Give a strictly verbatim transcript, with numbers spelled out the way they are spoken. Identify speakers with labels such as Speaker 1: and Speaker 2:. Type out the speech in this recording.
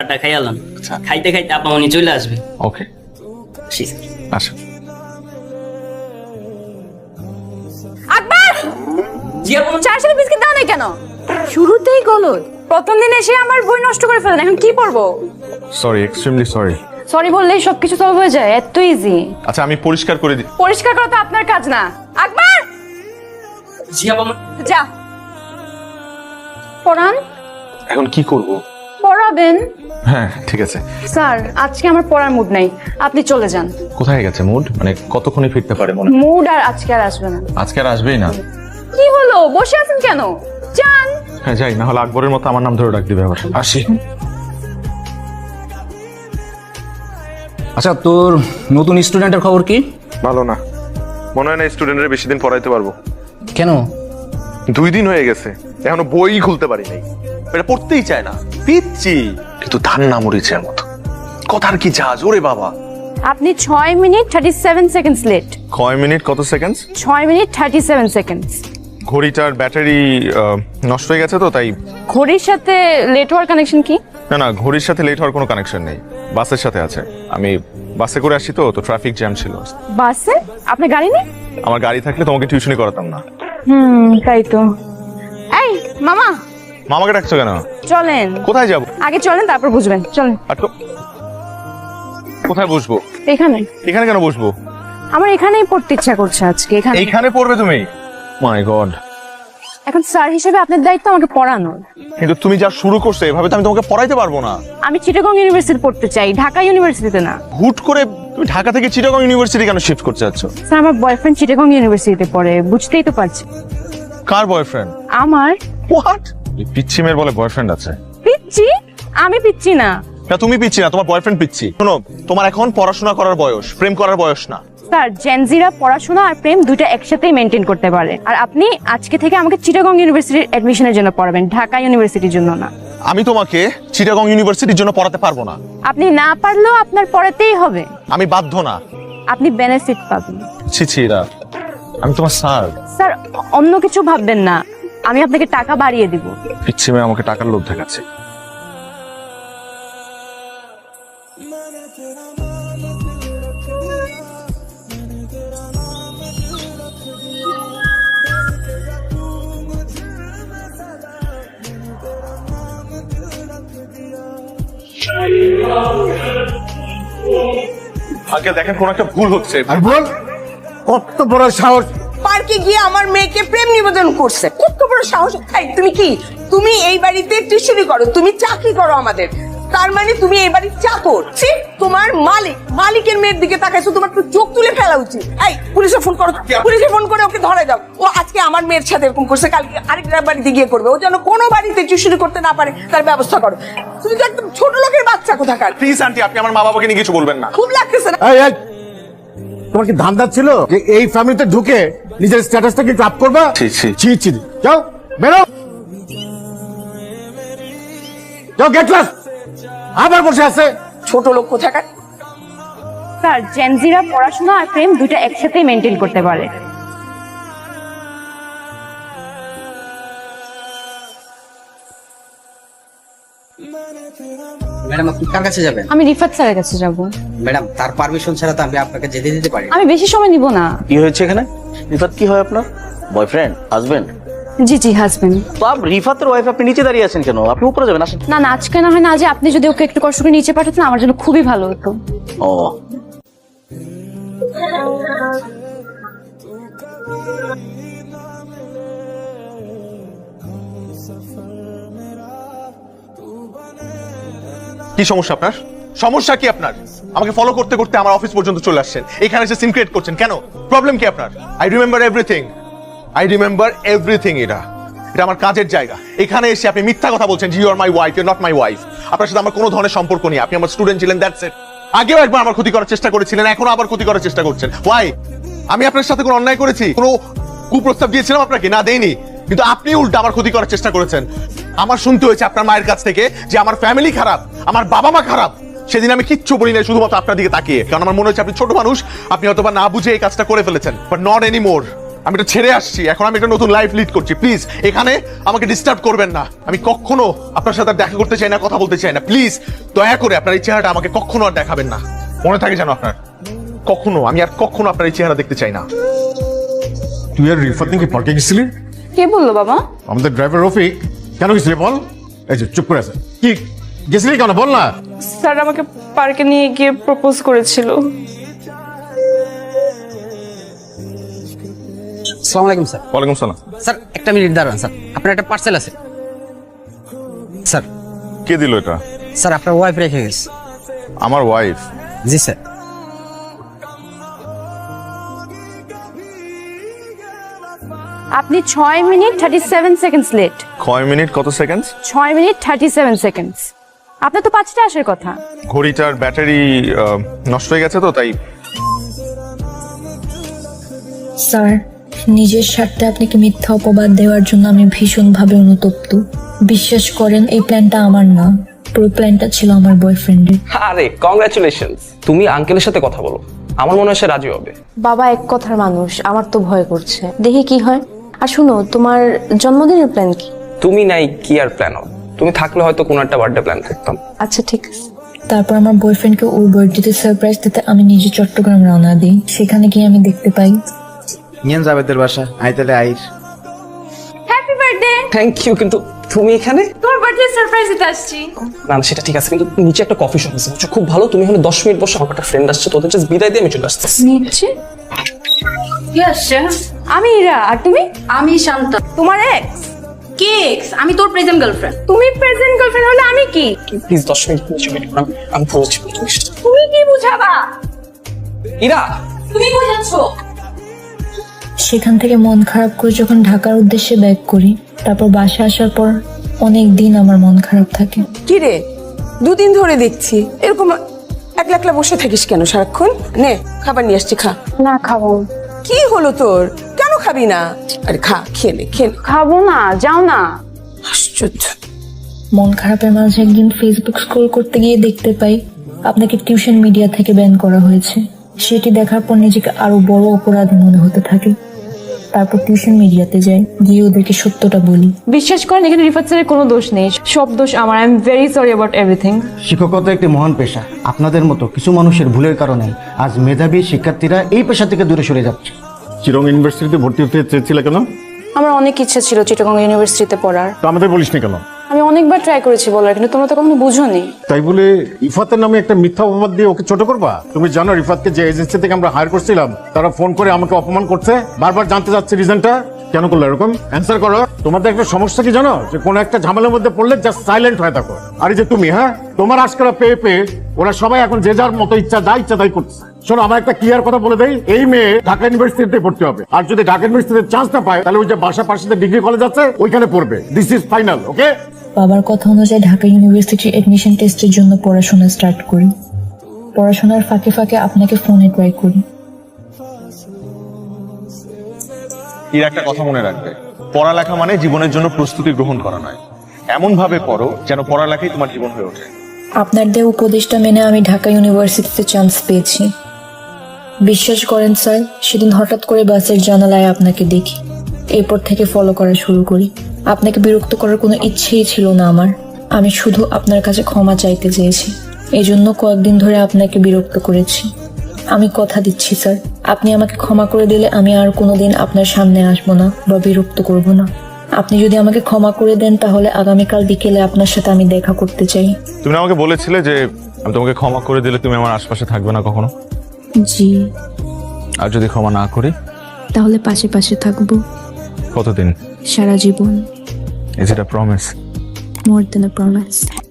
Speaker 1: খাবারটা খাইয়ালাম, খাইতে খাইতে আপা উনি চলে আসবে।
Speaker 2: ওকে আসেন।
Speaker 3: আকবর,
Speaker 1: জি আপা।
Speaker 3: চার সালে বিস্কিট দাও না কেন? শুরুতেই গলদ। প্রথম দিন এসে আমার বই নষ্ট করে ফেলেন, এখন কি পড়বো?
Speaker 2: Sorry, extremely sorry.
Speaker 3: সরি বললেই সবকিছু সলভ হয়ে যায়, এত ইজি।
Speaker 2: আচ্ছা আমি পরিষ্কার করে দিই।
Speaker 3: পরিষ্কার করা তো আপনার কাজ না। আকবর,
Speaker 1: জি আপা।
Speaker 3: যা পড়ান।
Speaker 2: এখন কি করব?
Speaker 3: পড়াবেন?
Speaker 2: হ্যাঁ ঠিক আছে।
Speaker 3: স্যার আজকে আমার পড়ার মুড নাই, আপনি চলে যান।
Speaker 2: কোথায় গেছে মুড? মানে কতক্ষণে ফিরতে পারে মনে?
Speaker 3: মুড আর আজকে আর আসবে না।
Speaker 2: আজকে আর আসবেই না?
Speaker 3: কি হলো, বসে আছেন কেন? যান।
Speaker 2: হ্যাঁ যাই, না হলে আকবরের মতো আমার নাম ধরে ডাক দিবে আবার। আসি।
Speaker 4: আচ্ছা, তোর নতুন স্টুডেন্টের খবর কি?
Speaker 2: ভালো না, মনে হয় না স্টুডেন্টের বেশি দিন পড়াইতে পারবো।
Speaker 4: কেন?
Speaker 2: দুই দিন হয়ে গেছে, এখনো বই খুলতে পারি নাই। এটা পড়তেই চায় না, পিচ্ছি কিন্তু ধান না মরিচের মতো। কথার কি জাজ ওরে বাবা।
Speaker 3: আপনি ছয় minute thirty seven seconds late.
Speaker 2: কয় মিনিট কত সেকেন্ড?
Speaker 3: ছয় মিনিট থার্টি সেভেন সেকেন্ডস।
Speaker 2: ঘড়িটার ব্যাটারি নষ্ট হয়ে গেছে তো তাই।
Speaker 3: ঘড়ির সাথে লেট হওয়ার কানেকশন কি?
Speaker 2: না না, ঘড়ির সাথে লেট হওয়ার কোনো কানেকশন নেই, বাসের সাথে আছে। আমি বাসে করে আসি তো তো ট্রাফিক জ্যাম ছিল।
Speaker 3: বাসে? আপনার গাড়ি নেই?
Speaker 2: আমার গাড়ি থাকলে তোমাকে টিউশনি করাতাম না।
Speaker 3: হুম তাই তো। এই মামা,
Speaker 2: মামাকে ডাকছো কেন?
Speaker 3: চলেন।
Speaker 2: কোথায় যাব?
Speaker 3: আগে চলেন তারপর বুঝবেন, চলেন।
Speaker 2: আর তো কোথায় বসবো?
Speaker 3: এখানে।
Speaker 2: এখানে কেন বসবো?
Speaker 3: আমার এখানেই পড়তে ইচ্ছা করছে আজকে, এখানে।
Speaker 2: এইখানে পড়বে তুমি? মাই গড।
Speaker 3: এখন স্যার হিসেবে আপনার দায়িত্ব আমাকে পড়ানোর।
Speaker 2: কিন্তু তুমি যা শুরু করছো এভাবে তো আমি তোমাকে পড়াইতে পারবো না।
Speaker 3: আমি চিটাগং ইউনিভার্সিটি পড়তে চাই, ঢাকা ইউনিভার্সিটিতে না।
Speaker 2: হুট করে তুমি ঢাকা থেকে চিটাগং ইউনিভার্সিটি কেন শিফট করতে যাচ্ছ?
Speaker 3: স্যার আমার বয়ফ্রেন্ড চিটাগং ইউনিভার্সিটিতে পড়ে, বুঝতেই তো পারছি।
Speaker 2: কার বয়ফ্রেন্ড?
Speaker 3: আমার।
Speaker 2: হোয়াট? পিচ্ছি মেয়ের বলে বয়ফ্রেন্ড আছে?
Speaker 3: পিচ্ছি? আমি পিচ্ছি না।
Speaker 2: না তুমি পিচ্ছি না, তোমার বয়ফ্রেন্ড পিচ্ছি। শোনো, তোমার এখন পড়াশোনা করার বয়স, প্রেম করার বয়স না।
Speaker 3: স্যার জেনজিরা পড়াশোনা আর প্রেম দুইটা একসাথেই মেনটেন করতে পারে। আর আপনি আজকে থেকে আমাকে চিটাগং ইউনিভার্সিটির অ্যাডমিশনের জন্য পড়াবেন, ঢাকা ইউনিভার্সিটির জন্য না।
Speaker 2: আমি তোমাকে চিটাগং ইউনিভার্সিটির জন্য পড়াতে পারবো না।
Speaker 3: আপনি না পারলেও আপনার পড়াতেই হবে।
Speaker 2: আমি বাধ্য না।
Speaker 3: আপনি বেনিফিট পাবেন।
Speaker 2: ছি ছি রা, আমি তোমার স্যার।
Speaker 3: স্যার অন্য কিছু ভাববেন না, আমি আপনাকে টাকা বাড়িয়ে দিব।
Speaker 2: পিচ্ছি মেয়ে আমাকে টাকার লোভ দেখাচ্ছে। আগে দেখেন কোন একটা ভুল হচ্ছে।
Speaker 5: আর বল, কত বড় সাহস!
Speaker 6: পার্কে গিয়ে আমার মেয়েকে প্রেম নিবেদন করছে, কত বড় সাহস! এই তুমি কি, তুমি এই বাড়িতে টিউশনি করো, তুমি চাকরি করো আমাদের, তার মানে তুমি এই বাড়ির চাকর। ছি, তোমার মালিক, মালিকের মেয়ের দিকে তাকাইছো, তোমার তো চোখ তুলে ফেলা উচিত। এই পুলিশে ফোন করো, পুলিশে ফোন করে ওকে ধরে দাও। ও আজকে আমার মেয়ের সাথে এরকম করছে, কালকে আরেকটা বাড়িতে গিয়ে করবে। ও যেন কোনো বাড়িতে টিউশনি করতে না পারে তার ব্যবস্থা করো। তুমি তো একদম ছোট লোকের বাচ্চা কোথাকার।
Speaker 2: প্লিজ আন্টি, আপনি আমার মা বাবাকে নিয়ে কিছু বলবেন না।
Speaker 6: খুব লাগতেছে না?
Speaker 5: এই, এই, তোমার কি ধান্দা ছিল যে এই ফ্যামিলিতে ঢুকে নিজের স্ট্যাটাসটাকে একটু আপ করবা?
Speaker 2: ছি, ছি।
Speaker 5: ছি ছি, যাও বেরো, যাও গেট ক্লাস। আবার বসে আছে
Speaker 6: ছোট লোক কোথাকার।
Speaker 3: স্যার জেনজিরা পড়াশোনা আর প্রেম দুইটা একসাথেই মেনটেন করতে পারে।
Speaker 7: ম্যাডাম আপনি কার কাছে যাবেন?
Speaker 3: আমি রিফাত স্যারের কাছে যাব।
Speaker 7: ম্যাডাম তার পারমিশন ছাড়া তো আমি আপনাকে যেতে দিতে পারি না।
Speaker 3: আমি বেশি সময় নিব না।
Speaker 8: কি হয়েছে এখানে? রিফাত কি হয় আপনার? বয়ফ্রেন্ড? হাজবেন্ড?
Speaker 3: জি জি হাজবেন্ড।
Speaker 8: তো আপনি রিফাতের ওয়াইফ, আপনি নিচে দাঁড়িয়ে আছেন কেন? আপনি উপরে যাবেন, আসেন।
Speaker 3: না না আজকে না হয় না, আজ আপনি যদি ওকে একটু কষ্ট করে নিচে পাঠাতেন আমার জন্য খুবই ভালো হতো।
Speaker 8: ও
Speaker 2: কি সমস্যা আপনার? সমস্যা কি আপনার? আমাকে ফলো করতে করতে আমার অফিস পর্যন্ত চলে আসছেন, এখানে এসে সিন ক্রিয়েট করছেন কেন? প্রবলেম কি আপনার? I remember everything, I remember everything. এটা এটা আমার কাজের জায়গা। এখানে এসে আপনি মিথ্যা কথা বলছেন, you are my wife, you not my wife. আপনার সাথে আমার কোনো ধরনের সম্পর্ক নেই, আপনি আমার স্টুডেন্ট ছিলেন, দ্যাটস ইট। আগেও একবার আমার ক্ষতি করার চেষ্টা করেছিলেন, এখনো আবার ক্ষতি করার চেষ্টা করছেন। ওয়াই? আমি আপনার সাথে কোনো অন্যায় করেছি? কোনো কুপ্রস্তাব দিয়েছিলাম আপনাকে? না দেইনি, কিন্তু আপনি উল্টা আমার ক্ষতি করার চেষ্টা করেছেন। আমার শুনতে হয়েছে আপনার মায়ের কাছ থেকে যে আমার ফ্যামিলি খারাপ, আমার বাবা মা খারাপ। সেদিন আমি কিচ্ছু বলি না, শুধুমাত্র আপনার দিকে তাকিয়ে, কারণ আমার মনে হচ্ছে আপনি ছোট মানুষ, আপনি হয়তো বা না বুঝে এই কাজটা করে ফেলেছেন, বাট নট এনি মোর। আমি এটা ছেড়ে আসছি, এখন আমি একটা নতুন লাইফ লিড করছি। প্লিজ এখানে আমাকে ডিস্টার্ব করবেন না। আমি কখনো আপনার সাথে আর দেখা করতে চাই না, কথা বলতে চাই না। প্লিজ দয়া করে আপনার এই চেহারাটা আমাকে কখনো আর দেখাবেন না। মনে থাকে যেন আপনার, কখনো আমি আর কখনো আপনার এই চেহারা দেখতে চাই না।
Speaker 5: তুই আর রিফাত নাকি পার্কে গেছিলি?
Speaker 3: কে বললো বাবা?
Speaker 5: আমাদের ড্রাইভার রফিক। কেন গেছিলি বল? এই যে চুপ করে আছে, কি গেছিলি কেন বল না?
Speaker 3: স্যার আমাকে পার্কে নিয়ে গিয়ে প্রপোজ করেছিল।
Speaker 7: আসসালামু আলাইকুম স্যার।
Speaker 2: ওয়ালাইকুম সালাম।
Speaker 7: স্যার একটা মিনিট দাঁড়ান স্যার, আপনার একটা পার্সেল আছে। স্যার
Speaker 2: কে দিল এটা?
Speaker 7: স্যার আপনার ওয়াইফ রেখে গেছে।
Speaker 2: আমার ওয়াইফ?
Speaker 7: জি স্যার।
Speaker 3: আপনি ছয় minute thirty seven seconds late.
Speaker 2: কয় মিনিট কত সেকেন্ড?
Speaker 3: ছয় মিনিট থার্টি সেভেন সেকেন্ডস। আপনার তো পাঁচটা আসার কথা।
Speaker 2: ঘড়িটার ব্যাটারি নষ্ট হয়ে গেছে তো তাই।
Speaker 9: স্যার, নিজের স্বার্থে আপনাকে মিথ্যা অপবাদ দেওয়ার জন্য আমি ভীষণভাবে অনুতপ্ত। বিশ্বাস করেন এই প্ল্যানটা আমার না, পুরো প্ল্যানটা ছিল আমার বয়ফ্রেন্ডের।
Speaker 10: আরে কংগ্রাচুলেশনস, তুমি আঙ্কেলের সাথে কথা বলো, আমার মনে হয় সে রাজি হবে।
Speaker 11: বাবা এক কথার মানুষ, আমার তো ভয় করছে, দেখি কি হয়। আর শুনো, তোমার জন্মদিনের প্ল্যান কি?
Speaker 10: তুমি নাই কি আর প্ল্যান হবে? তুমি থাকলে হয়তো কোনো একটা বার্থডে প্ল্যান করতাম।
Speaker 11: আচ্ছা ঠিক আছে।
Speaker 9: তারপর আমার বয়ফ্রেন্ডকে ওর বার্থডেতে সারপ্রাইজ দিতে আমি নিজে চট্টগ্রাম রওনা দিই। সেখানে গিয়ে আমি দেখতে পাই
Speaker 8: নিয়ে যাবে তোর বাসা, আই তাহলে আইস।
Speaker 3: Happy birthday.
Speaker 10: থ্যাংক ইউ, কিন্তু তুমি এখানে?
Speaker 3: তোমার বার্থডে সারপ্রাইজ দিতে আসছি।
Speaker 10: না না, সেটা ঠিক আছে, কিন্তু নিচে একটা কফি শপ আছে, খুব ভালো। তুমি হলে দশ মিনিট বসে, আমার একটা ফ্রেন্ড আসছে, তোদের জাস্ট বিদায় দিয়ে আমি চলে আসতেছি।
Speaker 3: নিচ্ছে কি আসছে? আমি ইরা। আর তুমি?
Speaker 11: আমি শান্ত।
Speaker 3: তোমার এক্স?
Speaker 11: কি এক্স? আমি তোর প্রেজেন্ট গার্লফ্রেন্ড।
Speaker 3: তুমি প্রেজেন্ট গার্লফ্রেন্ড হলে আমি কি?
Speaker 10: প্লিজ দশ মিনিট নিচে ওয়েট করো, আমি- আমি পৌঁছি।
Speaker 3: তুমি কি বুঝাবা?
Speaker 10: ইরা,
Speaker 11: তুমি বুঝাচ্ছ?
Speaker 9: সেখান থেকে মন খারাপ করে যখন ঢাকার উদ্দেশ্যে ব্যাক করি, তারপর বাসা আসার পর অনেক দিন আমার মন খারাপ থাকে।
Speaker 6: কি রে, দুদিন ধরে দেখছি এরকম একলা একলা বসে থাকিস কেন সারাক্ষণ? নে খাবার নিয়ে আসছি, খা।
Speaker 3: না খাবো।
Speaker 6: কি হলো তোর, কেন খাবি না? আরে খা, খেয়ে নে, খেয়ে নে।
Speaker 3: খাবো না, যাও না।
Speaker 6: আশ্চর্য।
Speaker 9: মন খারাপের মাঝে একদিন ফেসবুক স্ক্রল করতে গিয়ে দেখতে পাই আপনাকে টিউশন মিডিয়া থেকে ব্যান করা হয়েছে। সেটি দেখার পর নিজেকে আরো বড় অপরাধী মনে হতে থাকে। তারপর টিউশন মিডিয়াতে যাই, গিয়ে ওদেরকে সত্যটা বলি।
Speaker 3: বিশ্বাস করেন এখানে রিফাত স্যারের কোনো দোষ নেই, সব দোষ আমার। I am very sorry about everything.
Speaker 8: শিক্ষকতা একটি মহান পেশা। আপনাদের মতো কিছু মানুষের ভুলের কারণে আজ মেধাবী শিক্ষার্থীরা এই পেশা থেকে দূরে সরে যাচ্ছে।
Speaker 5: চিরং ইউনিভার্সিটিতে ভর্তি হতে চেয়েছিলে কেন?
Speaker 11: আমার অনেক ইচ্ছা ছিল চিটাগং ইউনিভার্সিটিতে পড়ার।
Speaker 5: তো আমাদের বলিসনি কেন?
Speaker 11: আমি অনেকবার ট্রাই করেছি বলার, কিন্তু তোমরা তো কখনো বুঝোনি।
Speaker 5: তাই বলে রিফাতের নামে একটা মিথ্যা অপবাদ দিয়ে ওকে ছোট করবা? তুমি জানো রিফাতকে যে এজেন্সি থেকে আমরা হায়ার করছিলাম, তারা ফোন করে আমাকে অপমান করছে, বারবার জানতে যাচ্ছে রিজনটা। কেন করলো এরকম? অ্যান্সার করো। তোমাদের একটা সমস্যা কি জানো, যে কোনো একটা ঝামেলার মধ্যে পড়লে জাস্ট সাইলেন্ট হয়ে থাকো। আর এই যে তুমি, হ্যাঁ, তোমার আজকাল পেয়ে পেয়ে ওরা সবাই এখন যে যার মতো ইচ্ছা যা ইচ্ছা তাই করছে। শোনো, আমার একটা ক্লিয়ার কথা বলে দেই, এই মেয়ে ঢাকা ইউনিভার্সিটিতে পড়তে হবে। আর যদি ঢাকা ইউনিভার্সিটিতে চান্স না পায়, তাহলে ওই যে বাসা পাশে ডিগ্রি কলেজ আছে ওইখানে পড়বে। This is final, okay?
Speaker 9: বাবার কথা অনুযায়ী ঢাকা ইউনিভার্সিটির এডমিশন টেস্টের জন্য পড়াশোনা স্টার্ট করি। পড়াশোনার ফাঁকে ফাঁকে আপনাকে ফোনে ট্রাই করি।
Speaker 2: এর একটা কথা মনে রাখবে, পড়ালেখা মানে জীবনের জন্য প্রস্তুতি গ্রহণ করা নয়। এমন ভাবে পড়ো যেন পড়ালেখাই তোমার জীবন হয়ে ওঠে।
Speaker 9: আপনার দেওয়া উপদেশটা মেনে আমি ঢাকা ইউনিভার্সিটিতে চান্স পেয়েছি। বিশ্বাস করেন স্যার, সেদিন হঠাৎ করে বাসের জানালায় আপনাকে দেখি। এরপর থেকে ফলো করা শুরু করি। আপনাকে বিরক্ত করার কোনো ইচ্ছেই ছিল না আমার। আমি শুধু আপনার কাছে ক্ষমা চাইতে চেয়েছি। এই জন্য কয়েকদিন ধরে আপনাকে বিরক্ত করেছি। আমি কথা দিচ্ছি স্যার, আপনি আমাকে ক্ষমা করে দিলে আমি আর কোনোদিন আপনার সামনে আসবো না বা বিরক্ত করব না। আপনি যদি আমাকে ক্ষমা করে দেন, তাহলে আগামীকাল বিকেলে আপনার সাথে আমি দেখা করতে চাই।
Speaker 2: তুমি আমাকে বলেছিলে যে আমি তোমাকে ক্ষমা করে দিলে তুমি আমার আশপাশে থাকবে না কখনো।
Speaker 9: জি।
Speaker 2: আর যদি ক্ষমা না করি?
Speaker 9: তাহলে পাশে পাশে থাকবো
Speaker 2: কতদিন?
Speaker 9: সারা জীবন।
Speaker 2: Is it a promise?
Speaker 9: More than a promise.